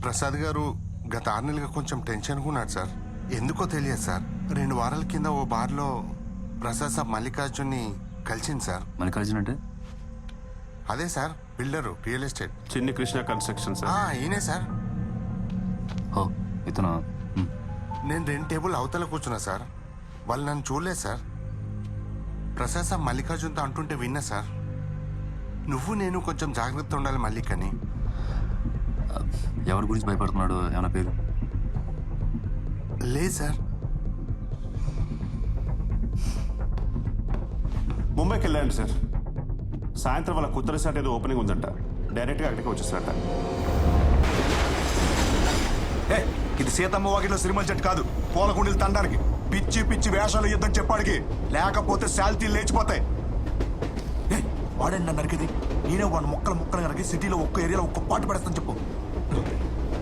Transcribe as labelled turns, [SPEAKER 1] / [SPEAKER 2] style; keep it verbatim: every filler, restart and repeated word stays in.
[SPEAKER 1] ప్రసాద్ గారు గత ఆరు నెలలుగా కొంచెం టెన్షన్గా ఉన్నాడు సార్. ఎందుకో తెలియదు సార్. రెండు వారాల కింద ఓ బార్లో ప్రసాద్ సాబ్ మల్లికార్జున్ని కలిసింది సార్.
[SPEAKER 2] మల్లికార్జున్ అంటే?
[SPEAKER 1] అదే sir, builder, real estate.
[SPEAKER 3] Chinni Krishna construction sir.
[SPEAKER 1] ఈయనే సార్.
[SPEAKER 2] ఓ ఇతను.
[SPEAKER 1] నేను రెండు టేబుల్ అవతల కూర్చున్నా సార్. వాళ్ళు నన్ను చూడలేదు సార్. ప్రసాద్ సాబ్ మల్లికార్జున్తో అంటుంటే విన్నా సార్, నువ్వు నేను కొంచెం జాగ్రత్త ఉండాలి మల్లిక్ అని.
[SPEAKER 2] ఎవరి గురించి భయపడుతున్నాడు? ఏమైనా పేరు?
[SPEAKER 1] లేదు సార్.
[SPEAKER 3] ముంబైకి వెళ్ళండి సార్. సాయంత్రం వాళ్ళ కొత్త రిసార్ట్ ఏదో ఓపెనింగ్ ఉందంట. డైరెక్ట్గా అక్కడికి వచ్చేస్తారట.
[SPEAKER 4] ఏ ఇది సీతమ్మ వాకిట్లో సిరిమల్ చెట్టు కాదు, పూలకుండీలు తండానికి. పిచ్చి పిచ్చి వేషాలు యుద్ధం చెప్పాడికి, లేకపోతే శాల్తీలు లేచిపోతాయి. ఏ వాడండి నన్ను నరికేది? నేనే వాడిని మొక్కలు మొక్కలు నరికి సిటీలో ఒక్క ఏరియాలో ఒక్క పాటు పెడతాను చెప్పు.